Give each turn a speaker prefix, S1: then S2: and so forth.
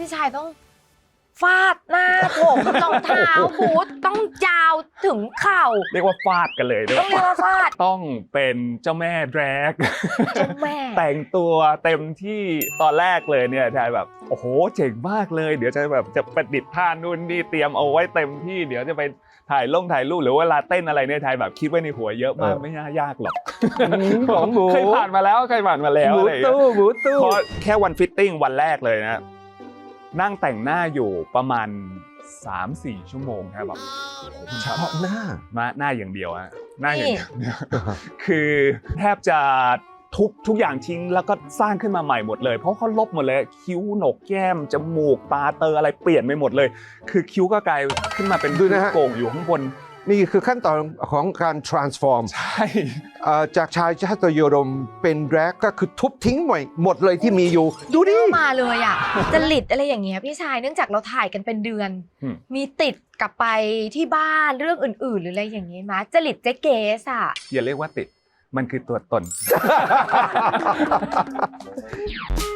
S1: พี่ชายต้องฟาดหน้าผมรองเท้าบูทต้องยาวถึงเข่า
S2: เรียกว่าฟาดกันเลยด้วย
S1: ต้องเรียกว่าฟาด
S2: ต้องเป็นเจ้าแม่แดรก
S1: เจ้าแม่
S2: แต่งตัวเต็มที่ตอนแรกเลยเนี่ยชายแบบโอ้โหเจ๋งมากเลยเดี๋ยวจะแบบจะประดิษฐ์ท่านู่นนี่เตรียมเอาไว้เต็มที่เดี๋ยวจะไปถ่ายรูปหรือว่าเวลาเต้นอะไรเนี่ยชายแบบคิดไว้ในหัวเยอะมากไม่น่ายากหรอก
S3: ของหมู
S2: เคยผ่านมาแล้ว
S3: หมู
S2: อะไรอย่างเงี้ย
S3: ตู้
S2: เพราะแค่วันฟิตติ้งวันแรกเลยนะนั่งแต่งหน้าอยู่ประมาณ 3-4 ชั่วโมงครับแบบ
S3: เฉพาะหน้า
S2: มาหน้าอย่างเดียวอะหน้าอย่างเดียวคือแทบจะทุกอย่างทิ้งแล้วก็สร้างขึ้นมาใหม่หมดเลยเพราะเขาลบหมดเลยคิ้วหนกแก้มจมูกตาเตออะไรเปลี่ยนไปหมดเลย คือคิ้วก็กลายขึ้นมาเป็น
S3: ดูนะฮะ
S2: โก่งอยู่ข้างบน
S3: นี่คือขั้นตอนของการ transform
S2: ใช่
S3: จากชายชาติยดมเป็นแดรกก็คือทุบทิ้งหมดเลยที่มีอยู่ ดูดิ
S1: เข้ามาเลยอ่ะจริตอะไรอย่างเงี้ยพี่ชายเนื่องจากเราถ่ายกันเป็นเดือน มีติดกลับไปที่บ้านเรื่องอื่นๆ หรืออะไรอย่างเงี้ยมาจริตเจ๊เกสอ่ะ
S2: อย่าเรียกว่าติดมันคือตัวตน